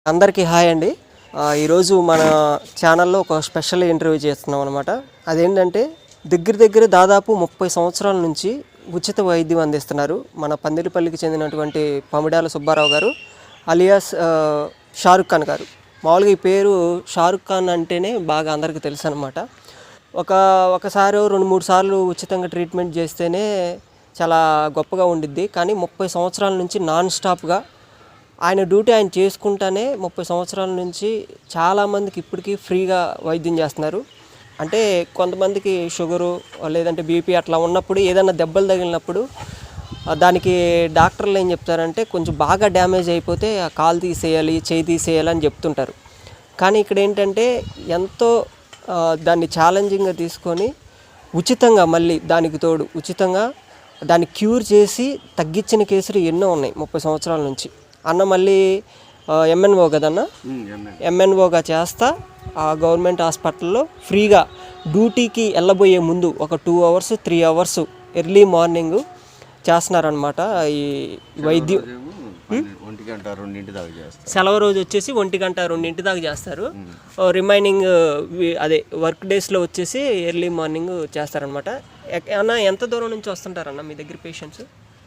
అందరికీ హాయ్ అండి. ఈరోజు మన ఛానల్లో ఒక స్పెషల్ ఇంటర్వ్యూ చేస్తున్నాం అనమాట. అదేంటంటే దగ్గర దాదాపు 30 సంవత్సరాల నుంచి ఉచిత వైద్యం అందిస్తున్నారు మన పందిరిపల్లికి చెందినటువంటి పమిడాల సుబ్బారావు గారు అలియాస్ షారుఖ్ ఖాన్ గారు. మామూలుగా ఈ పేరు షారుఖ్ ఖాన్ అంటేనే బాగా అందరికీ తెలుసు అనమాట. ఒకసారి 2-3 సార్లు ఉచితంగా ట్రీట్మెంట్ చేస్తేనే చాలా గొప్పగా ఉండిద్ది. కానీ 30 సంవత్సరాల నుంచి నాన్ స్టాప్గా ఆయన డ్యూటీ ఆయన చేసుకుంటానే 30 సంవత్సరాల నుంచి చాలామందికి ఇప్పటికీ ఫ్రీగా వైద్యం చేస్తున్నారు. అంటే కొంతమందికి షుగరు లేదంటే బీపీ అట్లా ఉన్నప్పుడు ఏదైనా దెబ్బలు తగిలినప్పుడు దానికి డాక్టర్లు ఏం చెప్తారంటే కొంచెం బాగా డ్యామేజ్ అయిపోతే ఆ కాలు తీసేయాలి, చేయి తీసేయాలి అని చెప్తుంటారు. కానీ ఇక్కడ ఏంటంటే ఎంతో దాన్ని ఛాలెంజింగ్గా తీసుకొని ఉచితంగా మళ్ళీ దానికి తోడు ఉచితంగా దాన్ని క్యూర్ చేసి తగ్గించిన కేసులు ఎన్నో ఉన్నాయి 30 సంవత్సరాల నుంచి. అన్న మళ్ళీ ఎంఎన్ఓ కదన్న, ఎంఎన్ఓగా చేస్తా ఆ గవర్నమెంట్ హాస్పిటల్లో ఫ్రీగా డ్యూటీకి వెళ్ళబోయే ముందు ఒక 2 hours 3 hours ఎర్లీ మార్నింగ్ చేస్తున్నారనమాట ఈ వైద్యం. 1-2 దాకా చేస్తారు. సెలవు రోజు వచ్చేసి 1-2 దాకా చేస్తారు. రిమైనింగ్ అదే వర్క్ డేస్లో వచ్చేసి ఎర్లీ మార్నింగ్ చేస్తారనమాట. అన్న ఎంత దూరం నుంచి వస్తుంటారన్న మీ దగ్గర పేషెంట్స్?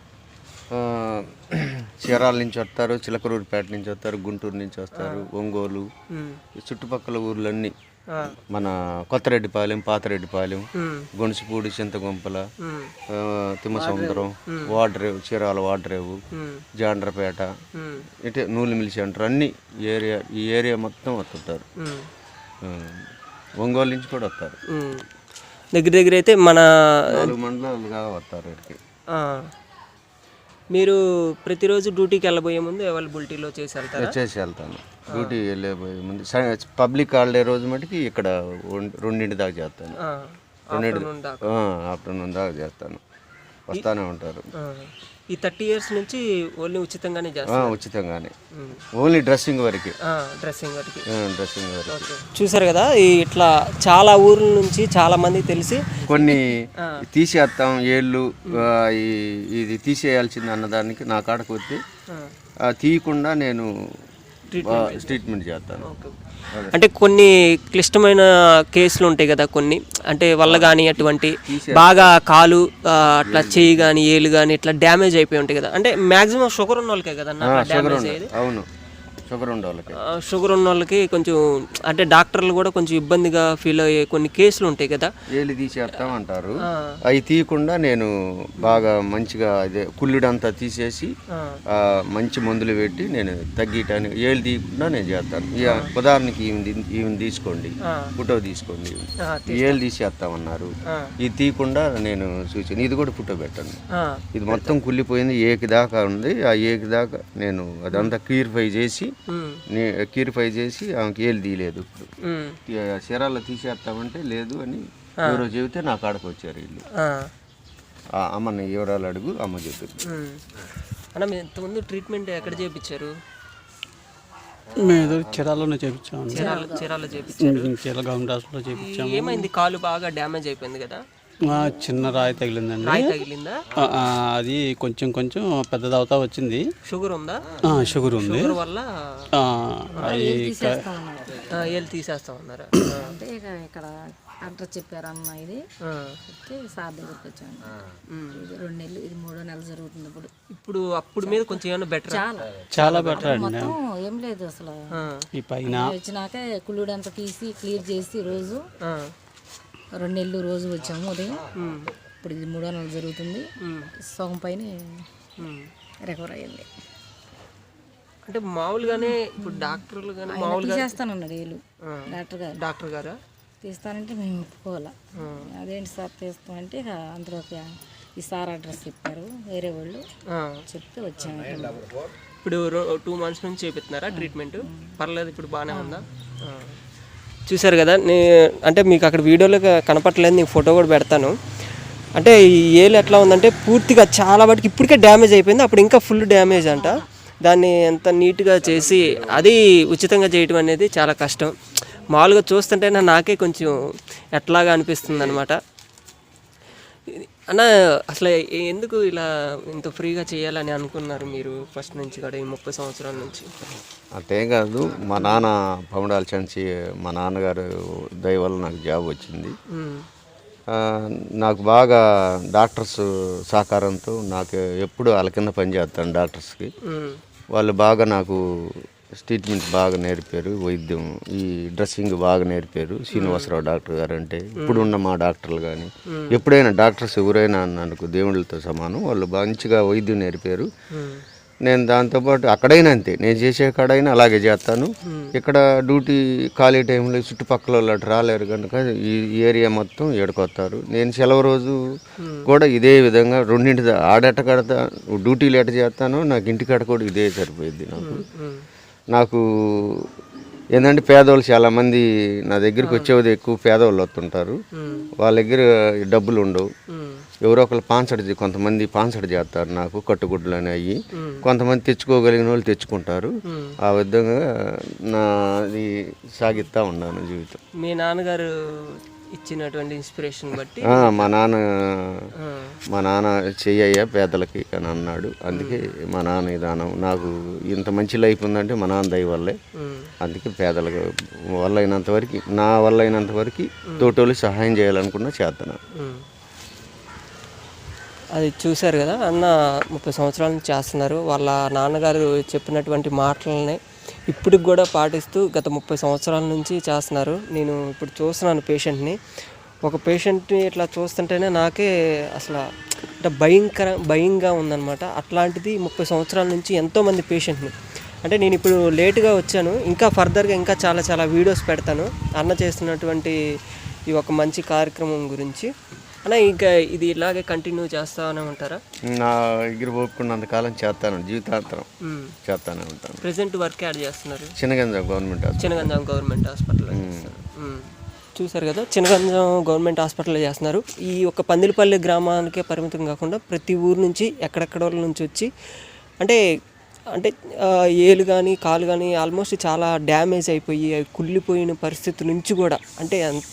చీరాల నుంచి వస్తారు, చిలకలూరుపేట నుంచి వస్తారు, గుంటూరు నుంచి వస్తారు, ఒంగోలు, చుట్టుపక్కల ఊర్లన్నీ, మన కొత్తరెడ్డిపాలెం, పాతరెడ్డిపాలెం, గొణసుపూడి, చింతగుంపల, తిమ్మసముద్రం, వాడరేవు, చీరాల వాడరేవు, జాండ్రపేట, ఇటే నూలిమిల్ సెంటర్ అన్నీ ఈ ఏరియా మొత్తం వస్తుంటారు. ఒంగోలు నుంచి కూడా వస్తారు. దగ్గర అయితే మన 4 మండలాలుగా వస్తారు ఇక్కడికి. మీరు ప్రతిరోజు డ్యూటీకి వెళ్ళబోయే ముందు అవైలబిలిటీలో చేసి వెళ్తాను. డ్యూటీ వెళ్ళబోయే ముందు పబ్లిక్ హాలిడే రోజు మటుకి ఇక్కడ 2 దాకా చేస్తాను. ఆఫ్టర్నూన్ దాకా చేస్తాను. వస్తానే ఉంటారు. ఈ 30 years నుంచి ఓన్లీ ఉచితంగానే చేస్తాను. ఉచితంగానే, ఓన్లీ డ్రెస్సింగ్ వరకు. చూసారు కదా, ఇట్లా చాలా ఊర్ల నుంచి చాలా మంది తెలిసి కొన్ని తీసేస్తాం ఏళ్ళు ఇది తీసేయాల్సింది అన్నదానికి నా కాడకు వచ్చి తీయకుండా నేను ట్రీట్మెంట్ చేస్తాను. అంటే కొన్ని క్లిష్టమైన కేసులు ఉంటాయి కదా, కొన్ని అంటే వల్ల కానీ అటువంటి బాగా కాలు అట్లా చేయి కానీ ఏలు కానీ ఇట్లా డ్యామేజ్ అయిపోయి ఉంటాయి కదా. అంటే మ్యాక్సిమం షుగర్ ఉన్న వాళ్ళకే కదా డ్యామేజ్ అయ్యేది. అవును, షుగర్ ఉన్న వాళ్ళకి కొంచెం అంటే డాక్టర్లు కూడా కొంచెం ఇబ్బందిగా ఫీల్ అయ్యే కొన్ని కేసులు ఉంటాయి కదా. ఏళ్ళు తీసేస్తాం అంటారు. అవి తీయకుండా నేను బాగా మంచిగా అదే కుళ్ళుడంతా తీసేసి మంచి మందులు పెట్టి నేను తగ్గటానికి ఏళ్ళు తీయకుండా నేను చేస్తాను. ఉదాహరణకి ఈవెన్ తీసుకోండి, ఫోటో తీసుకోండి, ఏళ్ళు తీసేస్తామన్నారు. ఇది తీయకుండా నేను సూచన, ఇది కూడా ఫోటో పెట్టండి. ఇది మొత్తం కుళ్ళిపోయింది, ఏకి దాకా ఉంది. ఆ ఏకి దాకా నేను అదంతా క్యూరిఫై చేసి ఆమెకి ఏళ్ళు తీయలేదు. ఇప్పుడు చీరాల్లో తీసేస్తామంటే లేదు అని ఎవరో చెబితే నా కాడకు వచ్చారు వీళ్ళు. అమ్మని వివరాలు అడుగు, అమ్మ చెప్పింది. అన్న మీరు ఇంతకుముందు ట్రీట్మెంట్ ఎక్కడ చేయించారు? మేము చీరాల్లోనే చేయించాము. చీరాల గవర్నమెంట్ హాస్పిటల్లో చేయించాము. ఏమైంది? కాలు బాగా డ్యామేజ్ అయిపోయింది కదా. చిన్న రాయి తగిలిందండి. రాయి తగిలిందా? అది కొంచెం పెద్దది అవుతా వచ్చింది. షుగర్ ఉందా? షుగర్ ఉంది. షుగర్ వల్ల ఏళ్ళు తీసేస్తా ఉన్నారు. అంటే ఇక్కడ డాక్టర్ చెప్పారు అమ్మ ఇది సార్ దగ్గరికి వచ్చాను. ఇది 2 నెలలు, ఇది 3వ నెల జరుగుతుంది ఇప్పుడు. అప్పుడు మీద కొంచెం ఏమైనా బెటర్, చాలా బెటర్ అండి. ఏం లేదు అసలు. ఈ పైన వచ్చినాక కుళ్ళుడంతా తీసి క్లియర్ చేసి రోజు 2 నెలలు రోజు వచ్చాము ఉదయం. ఇప్పుడు ఇది 3వ నెల జరుగుతుంది. సగం పైన రికవర్ అయ్యింది. అంటే మామూలుగానే ఇప్పుడు డాక్టర్లు కానీ మామూలుగా తీసేస్తానన్నాడు ఏళ్ళు డాక్టర్ గారు తీస్తానంటే మేము ఒప్పుకోవాలా. అదేంటి సార్ తీస్తామంటే అందులోకి ఈ సార్ అడ్రస్ చెప్పారు, వేరే వాళ్ళు చెప్తే వచ్చాము. ఇప్పుడు 2 months నుంచి చేపిస్తున్నారా ట్రీట్మెంట్? పర్లేదు, ఇప్పుడు బాగానే ఉందా? చూసారు కదా, అంటే మీకు అక్కడ వీడియోలో కనపట్లేదు, నీకు ఫోటో కూడా పెడతాను. అంటే ఈ ఏలు ఎట్లా ఉందంటే పూర్తిగా చాలా వాటికి ఇప్పటికే డ్యామేజ్ అయిపోయింది, అప్పుడు ఇంకా ఫుల్ డ్యామేజ్ అంట. దాన్ని ఎంత నీట్గా చేసి అది ఉచితంగా చేయటం అనేది చాలా కష్టం. మామూలుగా చూస్తుంటే నాకే కొంచెం ఎట్లాగా అనిపిస్తుంది అనమాట. అన్న అసలు ఎందుకు ఇలా ఇంత ఫ్రీగా చేయాలని అనుకున్నారు మీరు ఫస్ట్ నుంచి కూడా ఈ 30 సంవత్సరాల నుంచి? అంతేం కాదు, మా నాన్న పమడాల చంచి మా నాన్నగారు దయ వల్ల నాకు జాబ్ వచ్చింది. నాకు బాగా డాక్టర్స్ సహకారంతో నాకు ఎప్పుడు వాళ్ళ కింద పనిచేస్తాను డాక్టర్స్కి. వాళ్ళు బాగా నాకు ట్రీట్మెంట్ బాగా నేర్పారు, వైద్యం ఈ డ్రెస్సింగ్ బాగా నేర్పారు. శ్రీనివాసరావు డాక్టర్ గారు అంటే ఇప్పుడున్న మా డాక్టర్లు కానీ ఎప్పుడైనా డాక్టర్స్ ఎవరైనా నాకు దేవుళ్ళతో సమానం. వాళ్ళు మంచిగా వైద్యం నేర్పారు. నేను దాంతోపాటు అక్కడైనా అంతే, నేను చేసే కాడైనా అలాగే చేస్తాను. ఇక్కడ డ్యూటీ ఖాళీ టైంలో చుట్టుపక్కల వాళ్ళు అటు రాలేరు కనుక ఈ ఏరియా మొత్తం ఏడుకొస్తారు. నేను సెలవు రోజు కూడా ఇదే విధంగా రెండింటి ఆడట కడతా డ్యూటీలు ఎట చేస్తాను, నాకు ఇంటికాడ కూడా ఇదే సరిపోయింది. నాకు ఏంటంటే పేదవాళ్ళు చాలామంది నా దగ్గరికి వచ్చేది ఎక్కువ పేదవాళ్ళు వస్తుంటారు. వాళ్ళ దగ్గర డబ్బులు ఉండవు. ఎవరో ఒకరు కొంతమంది పాన్సడ్ చేస్తారు నాకు కట్టుగుడ్లు అని అయ్యి. కొంతమంది తెచ్చుకోగలిగిన వాళ్ళు తెచ్చుకుంటారు. ఆ విధంగా నాది సాగిస్తూ ఉన్నాను జీవితం. మీ నాన్నగారు ఇచ్చినటువంటి ఇన్స్పిరేషన్ బట్టి మా నాన్న చెయ్యయ్యా పేదలకి అని అన్నాడు. అందుకే మా నాన్న విధానం నాకు ఇంత మంచి లైఫ్ ఉందంటే మా నాన్న దయ వల్లే. అందుకే పేదలకు వల్ల అయినంత వరకు, నా వల్ల అయినంత వరకు తోటోళ్ళు సహాయం చేయాలనుకున్నా చేస్తున్నాను. అది చూశారు కదా, అన్న 30 సంవత్సరాల నుంచి చేస్తున్నారు. వాళ్ళ నాన్నగారు చెప్పినటువంటి మాటలని ఇప్పటికి కూడా పాటిస్తూ గత 30 సంవత్సరాల నుంచి చేస్తున్నారు. నేను ఇప్పుడు చూస్తున్నాను పేషెంట్ని. ఒక పేషెంట్ని ఇట్లా చూస్తుంటేనే నాకే అసలు అంటే భయంగా ఉందన్నమాట. అట్లాంటిది 30 సంవత్సరాల నుంచి ఎంతోమంది పేషెంట్ని, అంటే నేను ఇప్పుడు లేటుగా వచ్చాను, ఇంకా ఫర్దర్గా ఇంకా చాలా వీడియోస్ పెడతాను అన్న చేస్తున్నటువంటి ఈ ఒక మంచి కార్యక్రమం గురించి. అన్న ఇంకా ఇది ఇలాగే కంటిన్యూ చేస్తానే ఉంటారా? నా దగ్గర ఒప్పుకున్నంతకాలం చేస్తాను, జీవితాంతరం చేస్తానే ఉంటాను. ప్రెసెంట్ వర్క్ యాడ్ చేస్తున్నారు చిన్నగంజాం గవర్నమెంట్ హాస్పిటల్. చూసారు కదా, చిన్నగంజాం గవర్నమెంట్ హాస్పిటల్లో చేస్తున్నారు. ఈ ఒక పందిలపల్లి గ్రామానికే పరిమితం కాకుండా ప్రతి ఊరు నుంచి ఎక్కడెక్కడ వాళ్ళ నుంచి వచ్చి అంటే ఏలు కానీ కాలు కానీ ఆల్మోస్ట్ చాలా డ్యామేజ్ అయిపోయి కుళ్ళిపోయిన పరిస్థితి నుంచి కూడా, అంటే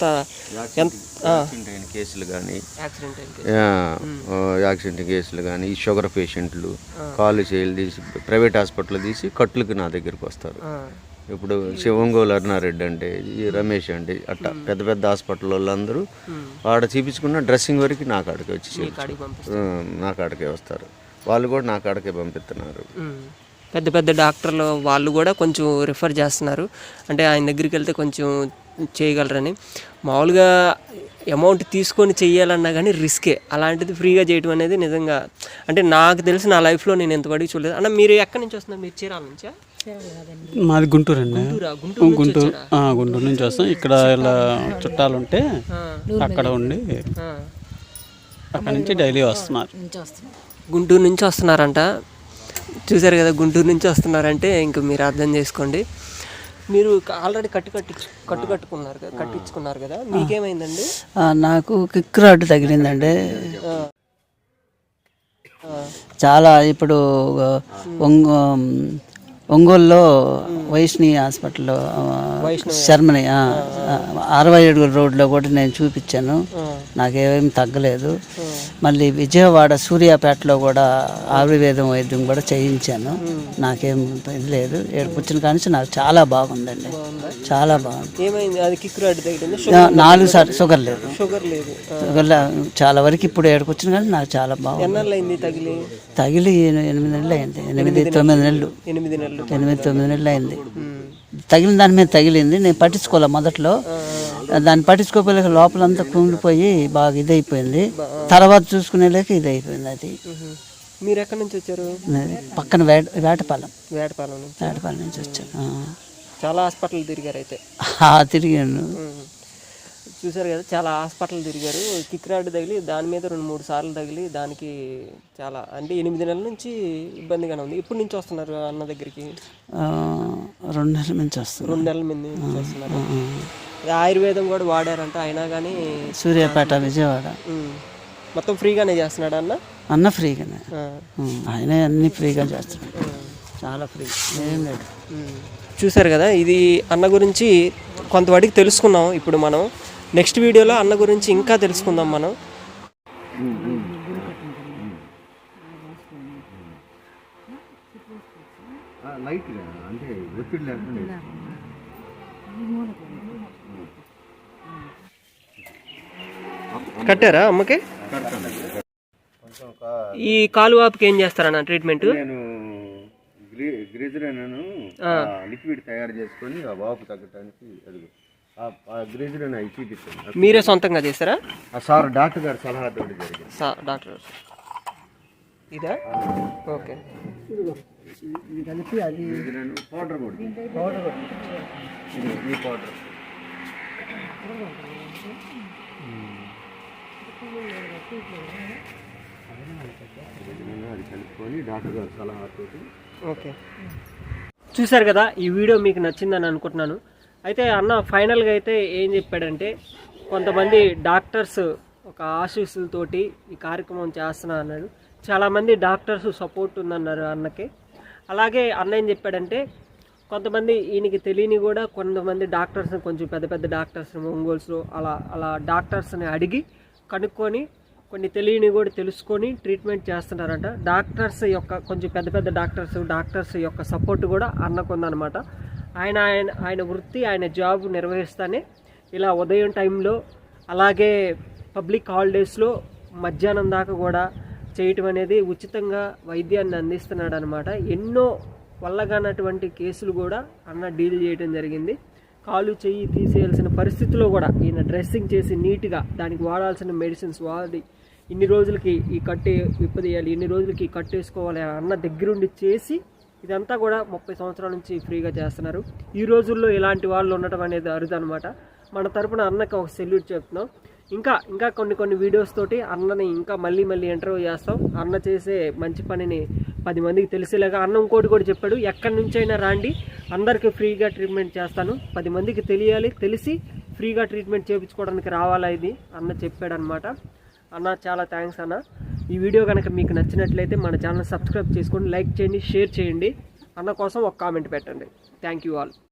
కేసులు కానీ యాక్సిడెంట్ కేసులు కానీ ఈ షుగర్ పేషెంట్లు కాలు చేయాలి తీసి ప్రైవేట్ హాస్పిటల్ తీసి కట్లకి నా దగ్గరికి వస్తారు. ఇప్పుడు ఒంగోలు అరుణారెడ్డి అంటే, ఈ రమేష్ అంటే, అట్లా పెద్ద హాస్పిటల్ వాళ్ళందరూ ఆడ చూపించుకున్న డ్రెస్సింగ్ వరకు నా కాడికి వచ్చి నా కాడికే వస్తారు. వాళ్ళు కూడా నా కాడికే పంపిస్తున్నారు. పెద్ద డాక్టర్లు వాళ్ళు కూడా కొంచెం రిఫర్ చేస్తున్నారు, అంటే ఆయన దగ్గరికి వెళ్తే కొంచెం చేయగలరని. మామూలుగా అమౌంట్ తీసుకొని చెయ్యాలన్నా కానీ రిస్కే, అలాంటిది ఫ్రీగా చేయడం అనేది నిజంగా అంటే నాకు తెలిసి నా లైఫ్లో నేను ఎంతవరకు చూడలేదు. అన్న మీరు ఎక్కడి నుంచి వస్తున్నారు? మీరు చీరాల నుంచా? మాది గుంటూరు అండి. గుంటూరు నుంచి వస్తాం. ఇక్కడ ఇలా చుట్టాలు ఉంటే అక్కడ ఉండి అక్కడ నుంచి డైలీ వస్తున్నారు. గుంటూరు నుంచి వస్తున్నారంట. చూసారు కదా, గుంటూరు నుంచి వస్తున్నారంటే ఇంక మీరు అర్థం చేసుకోండి. మీరు ఆల్రెడీ కట్టించుకున్నారు కదా, మీకేమైందండి? నాకు కిక్ రాడ్ తగిలిందండి. చాలా ఇప్పుడు ఒంగోలులో వైష్ణవి హాస్పిటల్లో శర్మని 67 రోడ్లో కూడా నేను చూపించాను, నాకేమీ తగ్గలేదు. మళ్ళీ విజయవాడ సూర్యాపేటలో కూడా ఆయుర్వేదం వైద్యం కూడా చేయించాను, నాకేం ఇది లేదు. ఏడుపుచ్చిన కానీ నాకు చాలా బాగుందండి, చాలా బాగుంది. ఏమైంది? అది కిక్ రాడ్ తగిలింది. 4 సార్లు షుగర్ లేదు. షుగర్ చాలా వరకు ఇప్పుడు ఏడుపుచ్చిన కానీ నాకు చాలా బాగుంది. ఎన్నాళ్ళైంది తగిలి 8 నెలలు అయింది. 8-9 నెలలు 8-9 నెలలు అయింది. తగిలిన దాని మీద తగిలింది. నేను పట్టించుకోలే మొదట్లో, దాన్ని పట్టించుకోపోలేక లోపలంతా కుంగిపోయి బాగా ఇదైపోయింది. తర్వాత చూసుకునేలేక ఇదైపోయింది. అది మీరు ఎక్కడి నుంచి వచ్చారు? పక్కన వేటపాలెం నుంచి వచ్చాను. చాలా హాస్పిటల్ తిరిగారు అయితే? తిరిగాను. చూసారు కదా, చాలా హాస్పిటల్ తిరిగారు. కిక్ రాడ్ తగిలి దాని మీద 2-3 సార్లు తగిలి దానికి చాలా అంటే 8 నెలల నుంచి ఇబ్బందిగానే ఉంది. ఎప్పటి నుంచి వస్తున్నారు అన్న దగ్గరికి? 2 నెలల నుంచి వస్తున్నారు. 2 నెలల నుంచి వస్తున్నారు. ఆయుర్వేదం కూడా వాడారంట, అయినా కానీ సూర్యాపేట విజయవాడ మొత్తం ఫ్రీగానే చేస్తున్నాడు అన్న ఫ్రీగానే. ఆయన అన్ని ఫ్రీగా చేస్తున్నాడు, చాలా ఫ్రీ, ఏం లేదు. చూసారు కదా, ఇది అన్న గురించి కొంతవాటికి తెలుసుకున్నాం. ఇప్పుడు మనం నెక్స్ట్ వీడియోలో అన్న గురించి ఇంకా తెలుసుకుందాం మనం. లైట్గా అంటే ఒత్తిడి లేకుండా కట్టారా అమ్మకి? కడతాను. కొంచెం ఈ కాలు వాపుకి ఏం చేస్తారన్న ట్రీట్మెంట్? నేను గ్రిజరిన్ లిక్విడ్ తయారు చేసుకొని ఆ వాపు తగ్గడానికి అడుగు ఆ గ్రిజరిన్ అవి చూపిస్తాను. మీరే సొంతంగా చేస్తారా? సార్ డాక్టర్ గారు సలహాతో జరిగింది. డాక్టర్ ఇదా? ఓకే. గ్రిజరిన్ పౌడర్ కూడా ఈ పౌడర్ అది కలుపుకొని డాక్టర్ గారు సలహాతోటి. ఓకే, చూశారు కదా, ఈ వీడియో మీకు నచ్చిందని అనుకుంటున్నాను. అయితే అన్న ఫైనల్గా అయితే ఏం చెప్పాడంటే, కొంతమంది డాక్టర్స్ ఒక ఆశీస్సులతోటి ఈ కార్యక్రమం చేస్తున్నా అన్నాడు. చాలామంది డాక్టర్స్ సపోర్ట్ ఉందన్నారు అన్నకి. అలాగే అన్న ఏం చెప్పాడంటే, కొంతమంది ఈయనకి తెలియని కూడా కొంతమంది డాక్టర్స్ని, కొంచెం పెద్ద పెద్ద డాక్టర్స్ని ఒంగోల్స్లో అలా డాక్టర్స్ని అడిగి కనుక్కొని కొన్ని తెలియని కూడా తెలుసుకొని ట్రీట్మెంట్ చేస్తున్నారంట. డాక్టర్స్ యొక్క కొంచెం పెద్ద పెద్ద డాక్టర్స్ యొక్క సపోర్ట్ కూడా అన్నకు ఉందన్నమాట. ఆయన వృత్తి, ఆయన జాబ్ నిర్వహిస్తానే ఇలా ఉదయం టైంలో, అలాగే పబ్లిక్ హాలిడేస్లో మధ్యాహ్నం దాకా కూడా చేయటం అనేది ఉచితంగా వైద్యాన్ని అందిస్తున్నాడు అనమాట. ఎన్నో వల్లగానటువంటి కేసులు కూడా అన్న డీల్ చేయడం జరిగింది. కాలు చెయ్యి తీసేయాల్సిన పరిస్థితిలో కూడా ఈయన డ్రెస్సింగ్ చేసి నీట్గా దానికి వాడాల్సిన మెడిసిన్స్ వాడి ఇన్ని రోజులకి ఈ కట్టు విప్పదీయాలి, ఇన్ని రోజులకి ఈ కట్టు వేసుకోవాలి అన్న దగ్గరుండి చేసి ఇదంతా కూడా 30 సంవత్సరాల నుంచి ఫ్రీగా చేస్తున్నారు. ఈ రోజుల్లో ఇలాంటి వాళ్ళు ఉండటం అనేది అరుదు అనమాట. మన తరపున అన్నకి ఒక సెల్యూట్ చెప్తున్నాం. ఇంకా కొన్ని వీడియోస్ తోటి అన్నని ఇంకా మళ్ళీ ఇంటర్వ్యూ చేస్తాం. అన్న చేసే మంచి పనిని 10 మందికి తెలిసేలాగా. అన్న ఇంకోటి కూడా చెప్పాడు, ఎక్కడి నుంచైనా రాండి, అందరికీ ఫ్రీగా ట్రీట్మెంట్ చేస్తాను, 10 మందికి తెలిసి ఫ్రీగా ట్రీట్మెంట్ చేయించుకోవడానికి రావాలా ఇది అన్న చెప్పాడు అనమాట. అన్న చాలా థ్యాంక్స్ అన్న. ఈ వీడియో కనుక మీకు నచ్చినట్లయితే మన ఛానల్ సబ్స్క్రైబ్ చేసుకోండి, లైక్ చేయండి, షేర్ చేయండి. అన్న కోసం ఒక కామెంట్ పెట్టండి. Thank you all.